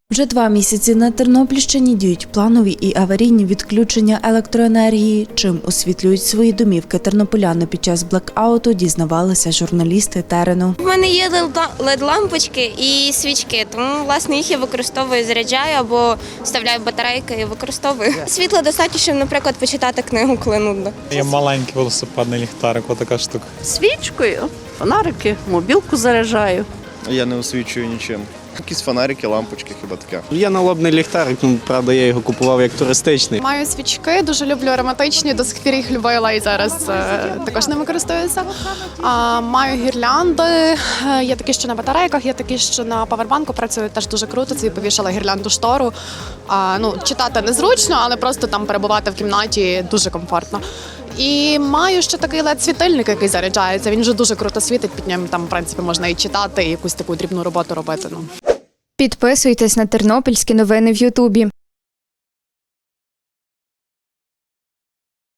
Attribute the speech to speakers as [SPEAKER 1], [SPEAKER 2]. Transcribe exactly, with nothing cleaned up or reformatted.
[SPEAKER 1] Вже два місяці на Тернопільщині діють планові і аварійні відключення електроенергії. Чим освітлюють свої домівки тернополяни під час блекауту, дізнавалися журналісти терену.
[SPEAKER 2] У мене є лед-лампочки і свічки, тому власне їх я використовую, заряджаю або вставляю батарейки і використовую. Світла достатньо, щоб, наприклад, почитати книгу, коли нудно.
[SPEAKER 3] Є маленький велосипедний ліхтарик, отака штука.
[SPEAKER 4] Свічкою, фонарики, мобілку заряджаю.
[SPEAKER 5] Я не освічую нічим. Якісь фонарики, лампочки, хіба таке.
[SPEAKER 6] Є налобний ліхтарик, ну, правда, я його купував як туристичний.
[SPEAKER 7] Маю свічки, дуже люблю ароматичні, до сих пір їх любила і зараз е, також ними користуюся. А, маю гірлянди, е, є такі, що на батарейках, є такі, що на павербанку працюють, теж дуже круто. Це повішала гірлянду штору. А, ну, читати незручно, але просто там перебувати в кімнаті дуже комфортно. І маю ще такий лед-світильник, який заряджається. Він вже дуже круто світить, під ним там, в принципі, можна і читати, і якусь таку дрібну роботу робити. Ну.
[SPEAKER 8] Підписуйтесь на тернопільські новини в Ютубі.